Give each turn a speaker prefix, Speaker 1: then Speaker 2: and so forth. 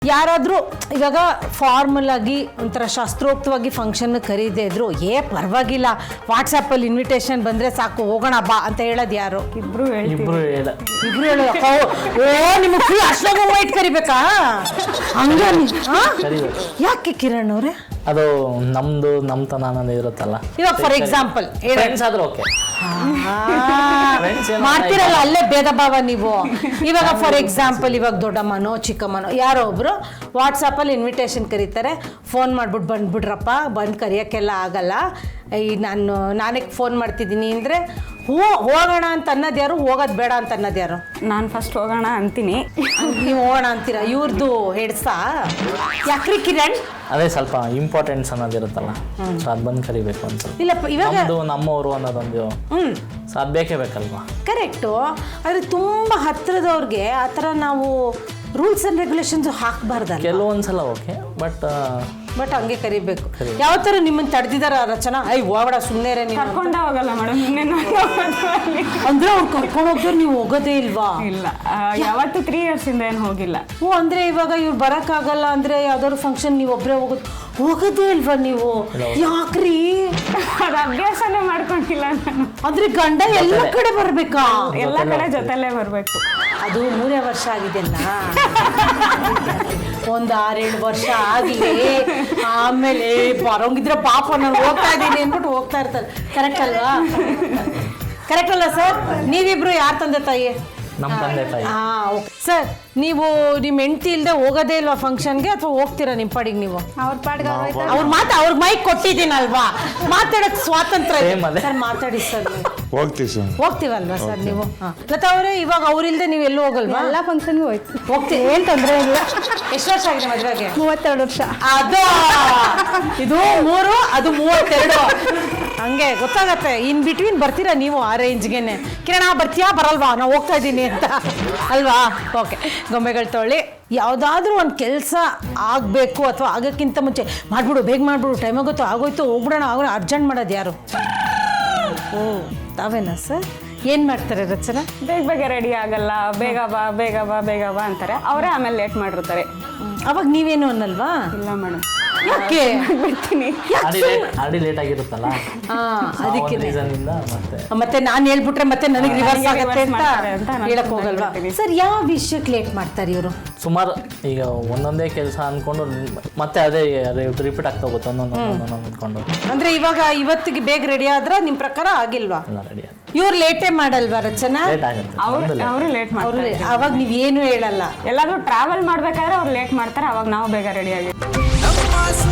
Speaker 1: ಯಾರಾದರೂ ಇವಾಗ ಫಾರ್ಮಲ್ ಆಗಿ ಒಂಥರ ಶಾಸ್ತ್ರೋಕ್ತವಾಗಿ ಫಂಕ್ಷನ್ ಕರೀದೇ ಇದ್ರು ಪರವಾಗಿಲ್ಲ ವಾಟ್ಸಪ್ಪಲ್ಲಿ ಇನ್ವಿಟೇಷನ್ ಬಂದರೆ ಸಾಕು ಹೋಗೋಣ ಬಾ ಅಂತ ಹೇಳೋದು ಯಾರು?
Speaker 2: ಇಬ್ರು
Speaker 1: ಹೇಳೋದು. ಓ ನಿಮಗೆ ಅಷ್ಟೊಂದು ವೈಟ್ ಕರಿಬೇಕಾ? ಹಂಗ ಯಾಕೆ ಕಿರಣ್ ಅವ್ರೆ?
Speaker 3: ಅದು ನಮ್ತನ ಅನ್ನೋದು ಇರುತ್ತಲ್ಲ.
Speaker 1: ಇವಾಗ ಫಾರ್ ಎಕ್ಸಾಂಪಲ್
Speaker 3: ಫ್ರೆಂಡ್ಸ್ ಆದ್ರೂ ಓಕೆ
Speaker 1: ಮಾಡ್ತಿರಲ್ಲ ಅಲ್ಲೇ ಭೇದ ಭಾವ ನೀವು. ಇವಾಗ ಫಾರ್ ಎಕ್ಸಾಂಪಲ್ ಇವಾಗ ದೊಡ್ಡಮ್ಮನೋ ಚಿಕ್ಕಮ್ಮನೋ ಯಾರೋ ಒಬ್ರು ವಾಟ್ಸಪ್ಪಲ್ಲಿ ಇನ್ವಿಟೇಷನ್ ಕರೀತಾರೆ, ಫೋನ್ ಮಾಡ್ಬಿಟ್ಟು ಬಂದ್ಬಿಡ್ರಪ್ಪ, ಬಂದು ಕರಿಯೋಕ್ಕೆಲ್ಲ ಆಗಲ್ಲ, ನಾನೇ ಫೋನ್ ಮಾಡ್ತಿದ್ದೀನಿ ಅಂದರೆ ಹೋಗೋಣ ಅಂತ ಅನ್ನೋದು ಯಾರು, ಹೋಗೋದು ಬೇಡ ಅಂತ ಅನ್ನೋದು ಯಾರು?
Speaker 2: ನಾನು ಫಸ್ಟ್ ಹೋಗೋಣ ಅಂತೀನಿ,
Speaker 1: ನೀವು ಹೋಗೋಣ ಅಂತೀರಾ. ಇವ್ರದ್ದು ಹೆಡ್ಸಾ ಯಾಕ್ರಿ ಕಿರಣ್?
Speaker 3: ಅದೇ ಸ್ವಲ್ಪ ಇಂಪಾರ್ಟೆನ್ಸ್ ಅನ್ನೋದಿರುತ್ತಲ್ಲ, ಸೊ ಅದು ಬಂದು ಕರಿಬೇಕು ಅಂತ.
Speaker 1: ಇಲ್ಲಪ್ಪ ಇವಾಗ
Speaker 3: ನಮ್ಮವರು ಅನ್ನೋದೊಂದು ಸೊ ಅದು ಬೇಕೇ ಬೇಕಲ್ವಾ?
Speaker 1: ಕರೆಕ್ಟು. ಆದರೆ ತುಂಬ ಹತ್ತಿರದವ್ರಿಗೆ ಆ ಥರ ನಾವು ರೂಲ್ಸ್ ಆ್ಯಂಡ್ ರೆಗ್ಯುಲೇಷನ್ಸ್ ಹಾಕಬಾರ್ದಲ್ಲ.
Speaker 3: ಕೆಲವೊಂದ್ಸಲ ಓಕೆ, ಬಟ್
Speaker 1: ಹಂಗೆ ಕರಿಬೇಕು. ಯಾವ ಥರ ನಿಮ್ಮನ್ನು ತಡೆದಿದ್ದಾರ ರಚನಾ? ಹೋಗಬೇಡ ಸುಮ್ಮನೆ ನೀವು
Speaker 2: ಕರ್ಕೊಂಡ ಹೋಗಲ್ಲ ಮೇಡಮ್.
Speaker 1: ಅಂದ್ರೆ ಅವ್ರು ಕರ್ಕೊಂಡು ಹೋಗ್ತಾರೆ, ನೀವು ಹೋಗೋದೇ ಇಲ್ವಾ?
Speaker 2: ಇಲ್ಲ, ಯಾವತ್ತು 3 years ಇಂದ ಏನು ಹೋಗಿಲ್ಲ.
Speaker 1: ಅಂದ್ರೆ ಇವಾಗ ಇವ್ರು ಬರೋಕ್ಕಾಗಲ್ಲ ಅಂದ್ರೆ ಯಾವ್ದಾದ್ರು ಫಂಕ್ಷನ್ ನೀವು ಒಬ್ಬರೇ ಹೋಗೋದೇ ಇಲ್ವಾ ನೀವು? ಯಾಕ್ರಿ?
Speaker 2: ಅದು ಅಭ್ಯಾಸನೇ ಮಾಡ್ಕೊಂಡಿಲ್ಲ ನಾನು.
Speaker 1: ಅಂದ್ರೆ ಗಂಡ ಎಲ್ಲ ಕಡೆ ಬರ್ಬೇಕಾ?
Speaker 2: ಎಲ್ಲ ಕಡೆ ಜೊತೆಲೇ ಬರ್ಬೇಕು.
Speaker 1: ಅದು 3 ವರ್ಷ ಆಗಿದೆಲ್ಲ, ಒಂದು 6-7 ವರ್ಷ ಆಗಲಿ, ಆಮೇಲೆ ಬರೋಂಗಿದ್ರೆ ಪಾಪ ನಾನು ಹೋಗ್ತಾ ಇದ್ದೀನಿ ಅಂದ್ಬಿಟ್ಟು ಹೋಗ್ತಾ ಇರ್ತಾರೆ. ಕರೆಕ್ಟ್ ಅಲ್ವಾ? ಕರೆಕ್ಟ್ ಅಲ್ಲ ಸರ್? ನೀವಿಬ್ರು ಯಾರು ತಂದೆ ತಾಯಿ?
Speaker 3: ನಮ್ಮ ತಂದೆ ತಾಯಿ.
Speaker 1: ಸರ್, ನೀವು ನಿಮ್ಮ ಹೆಂಡತಿ ಇಲ್ಲದೆ ಹೋಗೋದೇ ಇಲ್ವಾ ಫಂಕ್ಷನ್ಗೆ, ಅಥವಾ ಹೋಗ್ತೀರಾ ನಿಮ್ಮ ಪಾಡಿಗೆ ನೀವು?
Speaker 2: ಅವ್ರ ಪಾಡಿಗೆ
Speaker 1: ಅವ್ರಿಗೆ ಮೈಕ್ ಕೊಟ್ಟಿದ್ದೀನಲ್ವಾ, ಮಾತಾಡೋಕ್ಕೆ ಸ್ವಾತಂತ್ರ್ಯ ಇದೆ. ಸರ್ ಮಾತಾಡಿ ಸರ್. ಹೋಗ್ತೀವಲ್ವಾ ಸರ್ ನೀವು? ಲತಾ ಅವರೇ, ಇವಾಗ ಅವ್ರಿಲ್ದೆ ನೀವು ಎಲ್ಲೂ ಹೋಗಲ್ವಾ?
Speaker 2: ಎಲ್ಲ ಫಂಕ್ಷನ್ಗೂ
Speaker 1: ಹೋಗ್ತೀವಿ, ಏನು ತೊಂದರೆ ಇಲ್ಲ. ಎಷ್ಟು ವರ್ಷ ಆಗಿದೆ ಮದುವೆಗೆ?
Speaker 2: 32 ವರ್ಷ.
Speaker 1: ಅದು ಇದು 3, ಅದು 32. ಹಂಗೆ ಗೊತ್ತಾಗತ್ತೆ. ಇನ್ ಬಿಟ್ವೀನ್ ಬರ್ತೀರಾ ನೀವು ಆ ರೇಂಜ್ಗೆನೆ. ಕಿರಣ ಬರ್ತೀಯಾ ಬರಲ್ವಾ, ನಾವು ಹೋಗ್ತಾ ಇದ್ದೀನಿ ಅಂತ ಅಲ್ವಾ? ಓಕೆ, ಗೊಂಬೆಗಳು ತೊಗೊಳ್ಳಿ. ಯಾವುದಾದ್ರೂ ಒಂದು ಕೆಲಸ ಆಗಬೇಕು ಅಥವಾ ಆಗೋಕ್ಕಿಂತ ಮುಂಚೆ ಮಾಡಿಬಿಡು, ಬೇಗ ಮಾಡಿಬಿಡು, ಟೈಮ್ ಆಗುತ್ತೋ ಆಗೋಯ್ತು ಹೋಗ್ಬಿಡೋಣ ಅರ್ಜೆಂಟ್ ಮಾಡೋದು ಯಾರು? ತಾವೇನಾ ಸರ್? ಏನು ಮಾಡ್ತಾರೆ ರಚನಾ?
Speaker 2: ಬೇಗ ರೆಡಿ ಆಗಲ್ಲ, ಬೇಗ ಬಾ ಅಂತಾರೆ. ಅವರೇ ಆಮೇಲೆ ಲೇಟ್ ಮಾಡಿರ್ತಾರೆ.
Speaker 1: ಅವಾಗ ನೀವೇನು ಅನ್ನಲ್ವಾ?
Speaker 2: ಇಲ್ಲ ಮೇಡಮ್.
Speaker 1: ಯಾಕೆ
Speaker 2: ಬಿಡ್ತೀನಿ?
Speaker 3: ಆಲ್ರೆಡಿ ಲೇಟ್ ಆಗಿರುತ್ತಲ್ಲ,
Speaker 1: ಅದಕ್ಕೆ
Speaker 3: ಮತ್ತೆ
Speaker 1: ನಾನು ಹೇಳ್ಬಿಟ್ರೆ ಮತ್ತೆ ನನಗೆ ರಿವರ್ಸ್ ಆಗುತ್ತೆ ಅಂತ ಹೇಳಕ್ ಹೋಗಲ್ವಾ? ಸರ್, ಯಾವ ವಿಷಯಕ್ಕೆ ಲೇಟ್ ಮಾಡ್ತಾರೆ ಇವರು?
Speaker 3: ಸುಮಾರು ಈಗ ಒಂದೊಂದೇ ಕೆಲಸ ಅನ್ಕೊಂಡು ಮತ್ತೆ ಅದೇ ರಿಪೀಟ್ ಆಗ್ತಾ ಹೋಗುತ್ತೆ ಒಂದೊಂದು ಅಂದ್ಕೊಂಡು.
Speaker 1: ಅಂದ್ರೆ ಇವಾಗ ಇವತ್ತಿಗೆ ಬೇಗ ರೆಡಿ ಆದ್ರೆ ನಿಮ್ ಪ್ರಕಾರ ಆಗಿಲ್ವಾ?
Speaker 3: ರೆಡಿ
Speaker 1: ಇವ್ರು ಲೇಟೇ ಮಾಡಲ್ವಾ ರಚನಾ?
Speaker 3: ಲೇಟ್ ಆಗುತ್ತೆ.
Speaker 2: ಅವರು ಲೇಟ್ ಮಾಡ್ತಾರೆ.
Speaker 1: ಅವಾಗ ನೀವೇನು ಹೇಳಲ್ಲ?
Speaker 2: ಎಲ್ಲಾದ್ರೂ ಟ್ರಾವೆಲ್ ಮಾಡ್ಬೇಕಾದ್ರೆ ಅವ್ರು ಲೇಟ್ ಮಾಡ್ತಾರೆ, ಅವಾಗ ನಾವು ಬೇಗ ರೆಡಿ ಆಗಿ